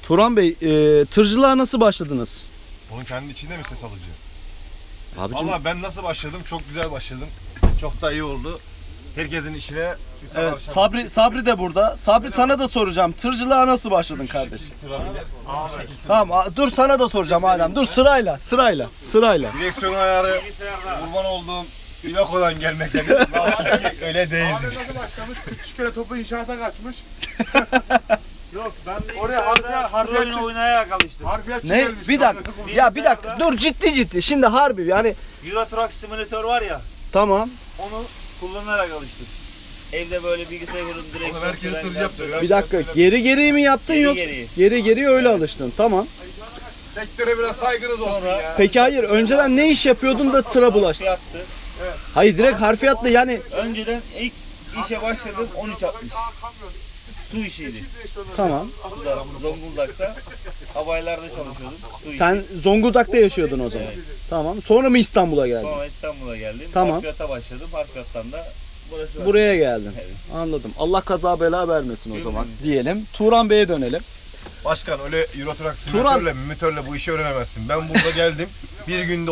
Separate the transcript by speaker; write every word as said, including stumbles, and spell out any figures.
Speaker 1: Turan Bey, e, tırcılığa nasıl başladınız?
Speaker 2: Onun kendi içinde mi ses alıcı?
Speaker 1: Abicim,
Speaker 2: Valla ben nasıl başladım? Çok güzel başladım. Çok da iyi oldu. Herkesin işine kimse
Speaker 1: evet,
Speaker 2: karışamaz.
Speaker 1: Sabri Sabri de burada. Sabri, sana da soracağım. Tırcılığa nasıl başladın kardeş?
Speaker 2: Tamam.
Speaker 1: Tamam, a- dur sana da soracağım Alem. Dur sırayla, sırayla, sırayla.
Speaker 2: Direksiyon ayarı kurban olduğum İlako'dan gelmektedir. Vallahi öyle değildir.
Speaker 3: Nasıl başlamış? Üç kere topu inşaata kaçmış.
Speaker 4: Yok ben
Speaker 3: Oraya harfiyat, harfiyat,
Speaker 4: oyun oynayarak alıştım.
Speaker 3: harfiyat
Speaker 1: Ne?
Speaker 3: gelmiş.
Speaker 1: Bir dakika. Ya bir dakika. Dur ciddi ciddi. Şimdi harbi yani
Speaker 4: Euro Truck Simulator var ya,
Speaker 1: tamam.
Speaker 4: onu kullanarak alıştım. Evde böyle bilgisayarın direksiyon
Speaker 2: Oğlum herkes tır yaptı.
Speaker 1: Bir dakika. Geri geri mi yaptın
Speaker 4: Geri
Speaker 1: yoksa?
Speaker 4: geri.
Speaker 1: Geri geri öyle alıştın. Tamam.
Speaker 2: Sektöre biraz saygınız olsun
Speaker 4: Sonra-
Speaker 2: ya.
Speaker 1: Peki hayır. Önceden ne iş yapıyordun da tıra bulaştın?
Speaker 4: Yaptı.
Speaker 1: Hayır, direkt harfiyatla yani.
Speaker 4: Önceden ilk işe başladım on üç altmış. Su işiydi.
Speaker 1: Tamam.
Speaker 4: Burada, Zonguldak'ta havaylarda çalışıyordum. Su işi.
Speaker 1: Sen Zonguldak'ta yaşıyordun o zaman. Tamam. Sonra mı İstanbul'a geldin?
Speaker 4: Sonra İstanbul'a geldim.
Speaker 1: Tamam.
Speaker 4: Harfiyata başladım. Harfiyattan da burası.
Speaker 1: Buraya geldin.
Speaker 4: Evet.
Speaker 1: Anladım. Allah kaza bela vermesin o zaman diyelim. Turan Bey'e dönelim.
Speaker 2: Başkan öyle Euro Truck
Speaker 1: Turan-
Speaker 2: simülatörle, mütörle bu işi öğrenemezsin. Ben burada geldim. Bir günde